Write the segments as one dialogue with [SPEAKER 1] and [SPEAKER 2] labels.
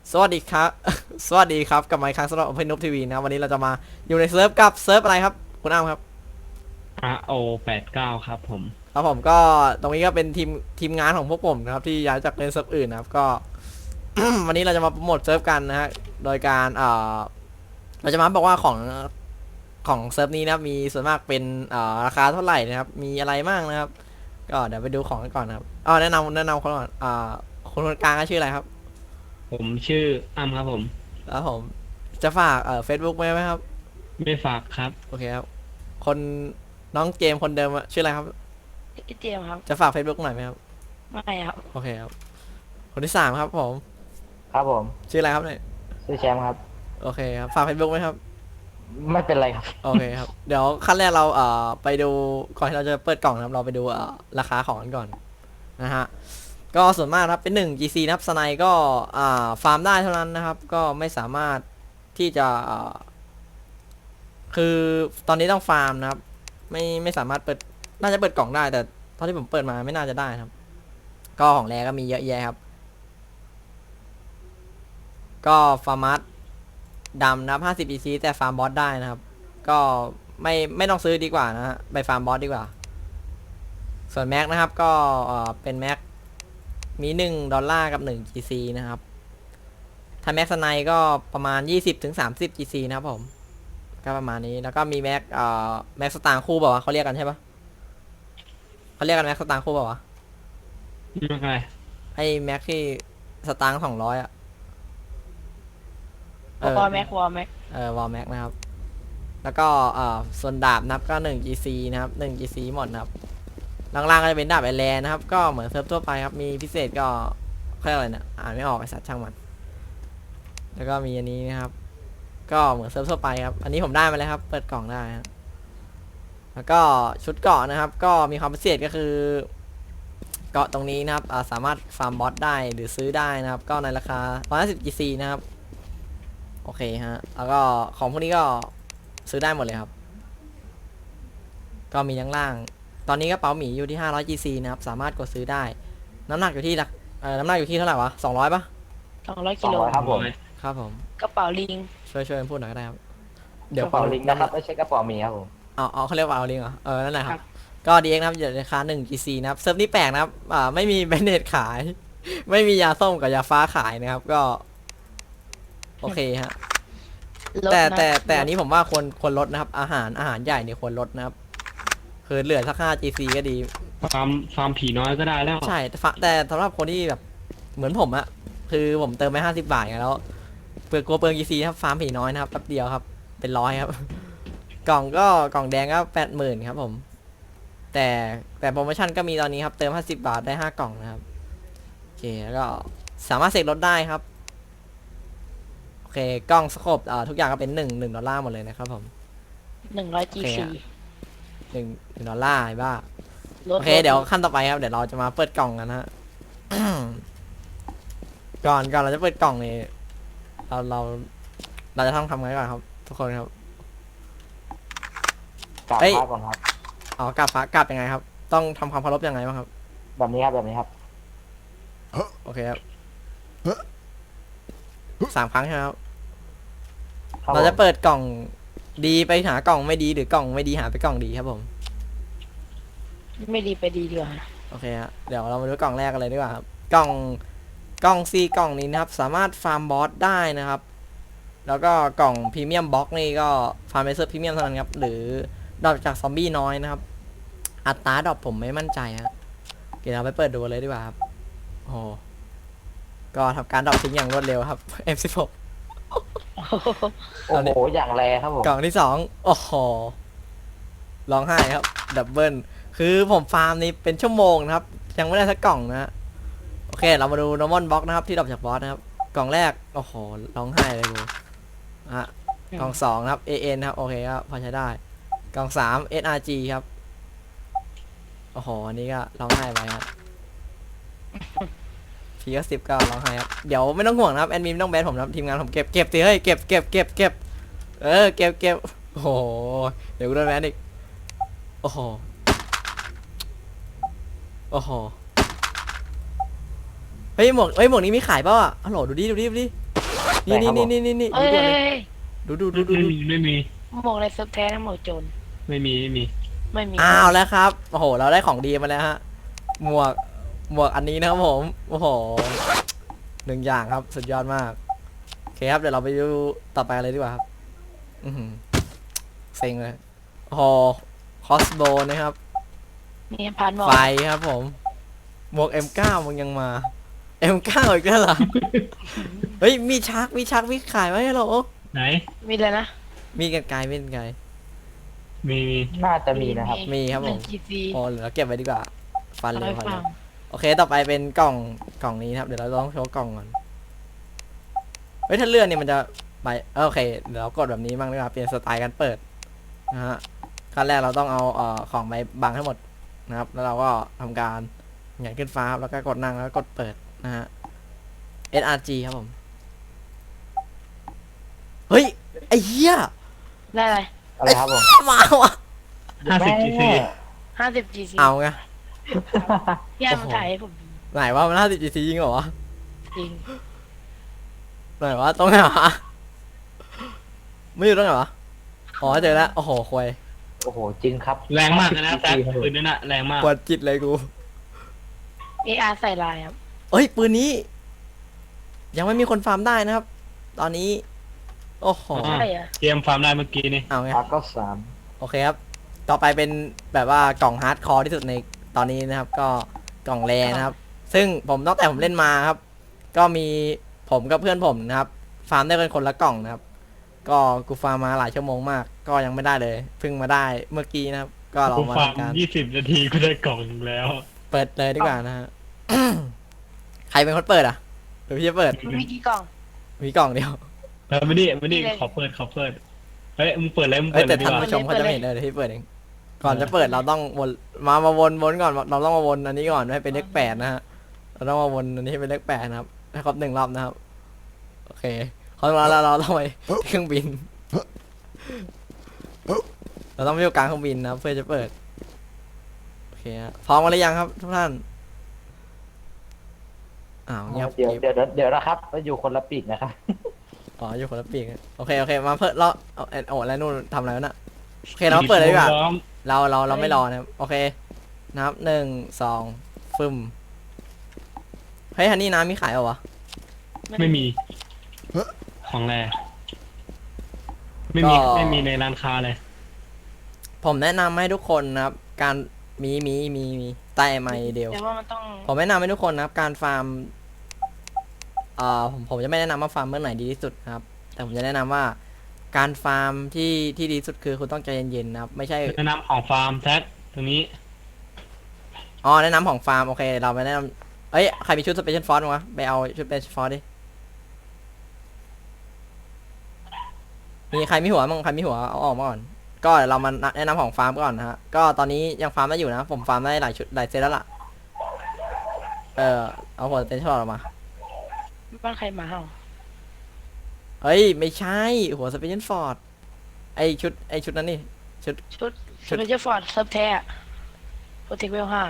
[SPEAKER 1] สวัสดีครับ สวัสดีครับกลับมาอีกครั้งสำหรับ Open Noob TV นะวันนี้เราจะมาอยู่ในเซิร์ฟกับเซิร์ฟอะไรครับคุณอ้ามครับ
[SPEAKER 2] RO89ครับผม
[SPEAKER 1] ครับผมก็ตรงนี้ก็เป็นทีมงานของพวกผมนะครับที่ย้ายจากเล่นเซิร์ฟอื่นนะครับก็ วันนี้เราจะมาโปรโมทเซิร์ฟกันนะฮะโดยการเราจะมาบอกว่าของเซิร์ฟนี้นะครับมีส่วนมากเป็นราคาเท่าไหร่นะครับมีอะไรบ้างนะครับก็เดี๋ยวไปดูของกันก่อนนะครับแนะนำคนก่อนคนกลางก็ชื่ออะไรครับ
[SPEAKER 2] ผมชื่ออ้ำครับผม
[SPEAKER 1] แล้วผมจะฝากFacebook ไหมครับ
[SPEAKER 2] ไม่ฝากครับ
[SPEAKER 1] โอเคครับคนน้องเจมส์คนเดิมอะชื่ออะไรครับ
[SPEAKER 3] พี่เจมส์ครับ
[SPEAKER 1] จะฝาก Facebook หน่อยไหมครับ
[SPEAKER 3] ไม่ครับ
[SPEAKER 1] โอเคครับคนที่สามครับผม
[SPEAKER 4] ครับผม
[SPEAKER 1] ชื่ออะไรครับเนี่ย
[SPEAKER 4] ชื่อแชมป์ครับ
[SPEAKER 1] โอเคครับฝาก Facebook ไหมครับ
[SPEAKER 4] ไม่เป็นไรครับ
[SPEAKER 1] โอเคครับเดี๋ยวขั้นแรกเราไปดูก่อนที่เราจะเปิดกล่องนะครับเราไปดูราคาของกันก่อนนะฮะก็ส่วนมากครับเป็น1 GC นะครับสไนก็ฟาร์มได้เท่านั้นนะครับก็ไม่สามารถที่จะคือตอนนี้ต้องฟาร์มนะครับไม่สามารถเปิดน่าจะเปิดกล่องได้แต่เท่าที่ผมเปิดมาไม่น่าจะได้ครับก็ของแรก็มีเยอะแยะครับก็ฟาร์มัสดำนะครับ50 EC แต่ฟาร์มบอสได้นะครับก็ไม่ต้องซื้อดีกว่านะฮะไปฟาร์มบอสดีกว่าส่วนแม็กนะครับก็เป็นแม็กมี$1กับ1 GC นะครับถ้าแม็กสไนก็ประมาณ20 ถึง 30 GC นะครับผมก็ประมาณนี้แล้วก็มีแม็กสตางค์คู่เปล่าวะเขาเรียกกันใช่ปะเขาเรียกกันแม็กสตางค์คู่เปล่าวะ
[SPEAKER 2] ไม่เป็นไร
[SPEAKER 1] ไอ้แม็กที่สตางค์200อะ
[SPEAKER 3] วอลแม็กวอลแม็ก
[SPEAKER 1] วอลแม็กนะครับแล้วก็ส่วนดาบนะครับก็1 GC นะครับ1 GC หมดนะครับล่างๆก็จะเป็นดาบไอแลนนะครับก็เหมือนเซิร์ฟทั่วไปครับมีพิเศษก็เขาเรียกอะไรเนี่ยอ่านไม่ออกไอสัตว์ช่างมันแล้วก็มีอันนี้นะครับก็เหมือนเซิร์ฟทั่วไปครับอันนี้ผมได้มาแล้วครับเปิดกล่องได้ครับแล้วก็ชุดเกาะนะครับก็มีความพิเศษก็คือเกาะตรงนี้นะครับสามารถฟาร์มบอสได้หรือซื้อได้นะครับก็ในราคา150 GC นะครับโอเคฮะแล้วก็ของพวกนี้ก็ซื้อได้หมดเลยครับก็มีข้างล่างตอนนี้กระเป๋าหมีอยู่ที่500 GC นะครับสามารถกดซื้อได้น้ำหนักอยู่ที่น้ำหนักอยู่ที่เท่าไหร่วะ200ปะ
[SPEAKER 3] 200 กิโล
[SPEAKER 4] 200ครับผม
[SPEAKER 1] ครับผม
[SPEAKER 3] กระเป๋าลิง
[SPEAKER 1] ช่วยพูดหน่อยก็ได้ครับเดี๋ยว
[SPEAKER 4] กระเป๋าลิงก์นะครับไม่ใช่กระเป๋าหมีครับผม
[SPEAKER 1] เขาเรียกว่าเอาลิงเหรอนั่นแหละครับก็ดีเอ็กนะครับอยู่ในราคา1 GC นะครับเซิร์ฟนี้แปลกนะครับไม่มีแบนเนตขายไม่มียาส้มกับยาฟ้าขายนะครับก็โอเคฮะแต่อันนี้ผมว่าควรลดนะครับอาหารใหญ่เนี่ยควรลดนะครับคือเหลือสัก5 GC ก็ดี
[SPEAKER 2] ฟาร์มผีน้อยก็ได้แล้ว
[SPEAKER 1] ใช่แต่สำหรับคนที่แบบเหมือนผมอะคือผมเติมไป50 บาทไงแล้วกลัวเปลือง GC ครับฟาร์มผีน้อยนะครับแป๊บเดียวครับเป็นร้อยครับกล่องแดงก็80,000ครับผมแต่โปรโมชั่นก็มีตอนนี้ครับเติม50 บาทได้5 กล่องนะครับโอเคแล้วก็สามารถเสกรถได้ครับโอเคกล้องสโคปทุกอย่างก็เป็น$1หมดเลยนะครับผม
[SPEAKER 3] 100 GC
[SPEAKER 1] 1 $1ไอ้บ้าโอเคเดี๋ยวขั้นต่อไปครับเดี๋ยวเราจะมาเปิดกล่องกันนะฮะ ก่อนเราจะเปิดกล่องนี่เราจะทำไงก่อนครับทุกคนครับ
[SPEAKER 4] กราบ
[SPEAKER 1] เอ้ย
[SPEAKER 4] พระก่อนครับ
[SPEAKER 1] กลับยังไงครับต้องทำความเคารพยังไงบ้างครับ
[SPEAKER 4] แบบนี้ครับแบบนี้ครับ
[SPEAKER 1] โอเคครับ3 ครั้งใช่ไหมครับ
[SPEAKER 4] ครับ
[SPEAKER 1] เราจะ
[SPEAKER 4] ผม
[SPEAKER 1] เปิดกล่องดีไปหากล่องไม่ดีหรือกล่องไม่ดีหาไปกล่องดีครับผม
[SPEAKER 3] ไม่ดีไปดีดีกว่า
[SPEAKER 1] โอเคฮะเดี๋ยวเรามาดูกล่องแรกกันเลยดีกว่าครับกล่องซีกล่องนี้นะครับสามารถฟาร์มบอสได้นะครับ แล้วก็กล่องพรีเมียมบ็อกนี่ก็ฟาร์มเซอร์พรีเมียมเท่านั้นครับหรือดรอปจากซอมบี้น้อยนะครับอัตราดรอปผมไม่มั่นใจฮะเดี๋ยวเราไปเปิดดูเลยดีกว่าครับโอ้ก็ทำการดรอปทิ้งอย่างรวดเร็วครับ M16
[SPEAKER 4] โอ้โหอย่างแรครับผม
[SPEAKER 1] กล่องที่2โอ้โหร้องไห้ครับดับเบิลคือผมฟาร์มนี้เป็นชั่วโมงนะครับยังไม่ได้สักกล่องนะฮะโอเคเรามาดู normal box นะครับที่ดรอปจากบอสนะครับกล่องแรกโอ้โหร้องไห้เลยกูกล่อง2นะครับ AN ครับโอเคครับพอใช้ได้กล่อง3 SRG ครับโอ้โหอันนี้ก็ร้องไห้ไปครับพีก็10ก็ร้องไห้ครับเดี๋ยวไม่ต้องห่วงนะครับแอดมินไม่ต้องแบนผมนะครับทีมงานผมเก็บสิเฮ้ยเก็บเก็บโอ้โหเดี๋ยวกูโดนแบนอีกโอ้โหเฮ้ยหมวกนี้มีขายเปล่าอ่ะฮัลโหลดูดินี่นี่นี่นี่นี่
[SPEAKER 3] เอ้ย
[SPEAKER 1] ดู
[SPEAKER 2] ไม่มี
[SPEAKER 3] หมวกอะไรเซิร์ฟแท้นะหมวกโจร
[SPEAKER 2] ไม่มี
[SPEAKER 3] ไม่มี
[SPEAKER 1] อ้าวแล้วครับโอ้โหเราได้ของดีมาแล้วฮะหมวกอันนี้นะครับผมโอ้โห1อย่างครับสุดยอดมากโอเคครับเดี๋ยวเราไปดูต่อไปเลยดีกว่าครับอือหือเซ็งเลยโอ้โหคอสโบนะครับ
[SPEAKER 3] นี่ผ่านหมวก
[SPEAKER 1] ไฟครับผมหมวก M9 มึงยังมา M9 อีกแล้วเหรอ เฮ้ยมีชักมีขายไหมฮัลโหล
[SPEAKER 2] ไหน
[SPEAKER 3] มีเลยนะ
[SPEAKER 1] มีกันไกลมีกันไกล
[SPEAKER 2] มี
[SPEAKER 4] น่าจะมีนะครับ
[SPEAKER 1] มีครับผม
[SPEAKER 3] 1GC
[SPEAKER 1] โอ้เดี๋ยวเราเก็บไว้ดีกว่าฟัน
[SPEAKER 3] เอา
[SPEAKER 1] เล
[SPEAKER 3] ไป
[SPEAKER 1] ยฟัน
[SPEAKER 3] ฟั
[SPEAKER 1] เล
[SPEAKER 3] ง
[SPEAKER 1] ยโอเคต่อไปเป็นกล่องนี้นะครับเดี๋ยวเราต้องโชว์กล่องก่อนเฮ้ยถ้าเลื่อนเนี่ยมันจะไปโอเคเดี๋ยวเรากดแบบนี้บ้างดีกว่าเปลี่ยนสไตล์การเปิดนะฮะขั้นแรกเราต้องเอาของไปบังให้หมดนะครับแล้วเราก็ทำการหงายขึ้นฟ้าครับแล้วก็กดนั่งแล้วก็กดเปิดนะฮะ SRG ครับผมเฮ้ยไอ้เหี้ย
[SPEAKER 3] ได้อะไร
[SPEAKER 4] อะไรครับผม
[SPEAKER 1] มาวะ
[SPEAKER 2] 50 GC
[SPEAKER 3] 50GC
[SPEAKER 1] เอาไง
[SPEAKER 3] พี่อามาถ่ายให้ผมดู
[SPEAKER 1] ไหนว่ามัน50 GC จริงเหรอวะ
[SPEAKER 3] จริง
[SPEAKER 1] ไหนวะตรงไหนวะไม่อยู่ตรงไหนวะอ๋อเจอแล้วโอ้โหควย
[SPEAKER 4] โอ้โหจริงครับ
[SPEAKER 2] แรงมากเลยนะแซคปืนนั่นน่ะแรงมาก
[SPEAKER 1] ปวดจิตเลยกู
[SPEAKER 3] AR ใส่ลายครับ
[SPEAKER 1] เอ้ยปืนนี้ ยังไม่มีคนฟาร์มได้นะครับ ตอนนี้ โอ้โห
[SPEAKER 3] ใช่เหรอ
[SPEAKER 2] เกมฟาร์มได้เมื่อกี้นี่
[SPEAKER 1] เอาไง
[SPEAKER 4] ปากก็สาม
[SPEAKER 1] โอเคครับ ต่อไปเป็นแบบว่ากล่องฮาร์ดคอร์ที่สุดในตอนนี้นะครับ ก็กล่องแรนะครับ ซึ่งผมตั้งแต่ผมเล่นมาครับ ก็มีผมกับเพื่อนผมนะครับ ฟาร์มได้กันคนละกล่องนะครับ ก็กูฟาร์มมาหลายชั่วโมงมาก ก็ยังไม่ได้เลยเพิ่งมาได้เมื่อกี้นะครับ ก็ลอ
[SPEAKER 2] กู
[SPEAKER 1] งมา
[SPEAKER 2] ฟาร์ม
[SPEAKER 1] ทำการ
[SPEAKER 2] 20 นาทีก็ได้กล่องหนึ่งแล้ว
[SPEAKER 1] เปิดเลยดีกว่านะฮะ ใครเป็นคนเปิดอ่ะหรือพี่จะเปิด
[SPEAKER 3] มีกี่กล่อง
[SPEAKER 1] มีกล่องเดียว
[SPEAKER 2] ไม่ได้
[SPEAKER 3] นี่เลย
[SPEAKER 2] ขอเปิดเฮ้ยมึงเปิดเลยมึง
[SPEAKER 1] เอ้
[SPEAKER 2] เปิ
[SPEAKER 1] ย
[SPEAKER 2] ดเล
[SPEAKER 1] แต่
[SPEAKER 2] ยดี
[SPEAKER 1] ท่าน
[SPEAKER 2] กว่า
[SPEAKER 1] ผู้ชมเขาจะไม่เห็นเลยเดี๋ยวพี่เปิดเอง ก่อนจะเปิดเราต้องวนมาวนก่อนเราต้องมาวนอันนี้ก่อนให้เป็นเลข8นะฮะเราต้องมาวนอันนี้ให้เป็นเลข8นะครับให้ครบ1 รอบนะครับโอเคพอเราต้องไปเครื่องบิน เราต้องไปอยู่กลางเครื่องบินนะครับเพื่อจะเปิดโอเคฮะพร้อมกันหรือยังครับทุกท่านอ้าวเงียบ
[SPEAKER 4] เดี๋ยว
[SPEAKER 1] กริบ
[SPEAKER 4] เดี๋ยวนะครับเราอยู่คนละปีกนะครับ
[SPEAKER 1] อ๋ออยู่คนละปีกอะโอเคมาเพิ่มเราเอาแล้วนู่นทำอะไรวะน่ะโอเคเราเปิดเลยดีกว่า
[SPEAKER 2] พร้อม
[SPEAKER 1] เราไม่รอนะครับโอเคนับ1 2ฟึมเฮ้ยฮันนี่น้ำมีขายเหรอวะ
[SPEAKER 2] ไม่มี ของแรไม่มีในร้านค้าเลย
[SPEAKER 1] ผมแนะนำให้ทุกคนนะครับ การมีใต้ไมค์เดียว
[SPEAKER 3] แต่ว่ามันต้อง
[SPEAKER 1] ผมแนะนำให้ทุกคนนะครับ การฟาร์มผมจะไม่แนะนำว่าฟาร์มเมื่อไหร่ดีที่สุดนะครับ แต่ผมจะแนะนำว่า การฟาร์มที่ดีที่สุดคือคุณต้องใจเย็นๆนะครับ ไม่ใช่
[SPEAKER 2] แนะนำของฟาร์มแซคตรงนี้
[SPEAKER 1] อ๋อแนะนำของฟาร์มโอเคเราไปแนะนำเอ้ยใครมีชุดสเปเชียลฟอร์สมั้งไปเอาชุดสเปเชียลฟอร์สดิมีใครมีหัวมั้งใครมีหัวเอาออกมาก่อน ก็เดี๋ยวเรามาแนะนำของฟาร์มก่อนนะฮะก็ตอนนี้ยังฟาร์มได้อยู่นะผมฟาร์มได้หลายชุดหลายเซตแล้วล่ะเอาหัวสเปเชียลออกมา
[SPEAKER 3] บ้านใครมาเหรอ
[SPEAKER 1] เฮ้ยไม่ใช่หัวสเปเชียลฟอร์ดไอชุดนั้นนี่ชุด
[SPEAKER 3] ชุดเจอร์ฟอร์ดเซิร์ฟแท้โปรเทคเวล5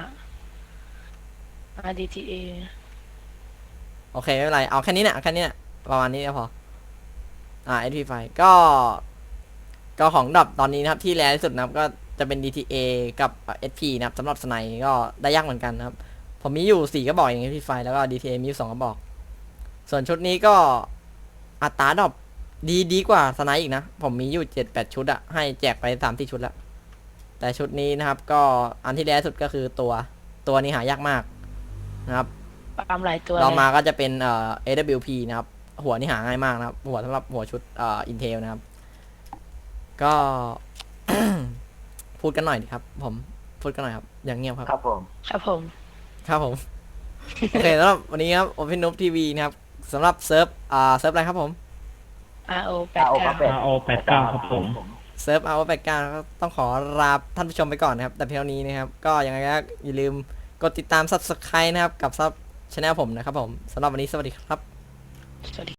[SPEAKER 3] RDTA
[SPEAKER 1] โอเคไม่เป็นไรเอาแค่นี้เนี่ยประมาณนี้ก็พอSP5 ก็ของดรอปตอนนี้นะครับที่แรงที่สุดนะครับก็จะเป็น DTA กับ SP นะครับสำหรับสไนก็ได้ยากเหมือนกันนะครับผมมีอยู่4กระบอกอย่าง SP5 แล้วก็ DTA มีอยู่2กระบอกส่วนชุดนี้ก็อัตราดรอปดีกว่าสไนอีกนะผมมีอยู่7-8 ชุดอะให้แจกไป3-4 ชุดแล้วแต่ชุดนี้นะครับก็อันที่แรงที่สุดก็คือตัวนี้หายากมากนะครับ
[SPEAKER 3] ปาล์มหลายตัว
[SPEAKER 1] เรามา
[SPEAKER 3] เลย
[SPEAKER 1] ก็จะเป็นAWP นะครับ หัวนี่หาง่ายมากนะครับ หัวสำหรับหัวชุดIntel นะครับ ก็ พูดกันหน่อยดิครับ ผมพูดกันหน่อยครับ อย่างเงียบครับ
[SPEAKER 4] ครับผม
[SPEAKER 3] ครับผม
[SPEAKER 1] ครับผม โอเคสำหรับวันนี้ครับ Open Noob TV นะครับสำหรับเซิร์ฟอะไรครับผม
[SPEAKER 3] RO
[SPEAKER 4] เอาครับ
[SPEAKER 3] 89
[SPEAKER 2] RO89 ครับผม
[SPEAKER 1] เซิร์ฟRO89 ก็ต้องขอลาท่านผู้ชมไปก่อนนะครับ แต่เพียงเท่านี้นะครับ ก็ยังไงก็อย่าลืมกดติดตาม Subscribe นะครับกับซับช anel ผมนะครับผมสำหรับวันนี้สวัสดีครับ
[SPEAKER 3] สวัสดี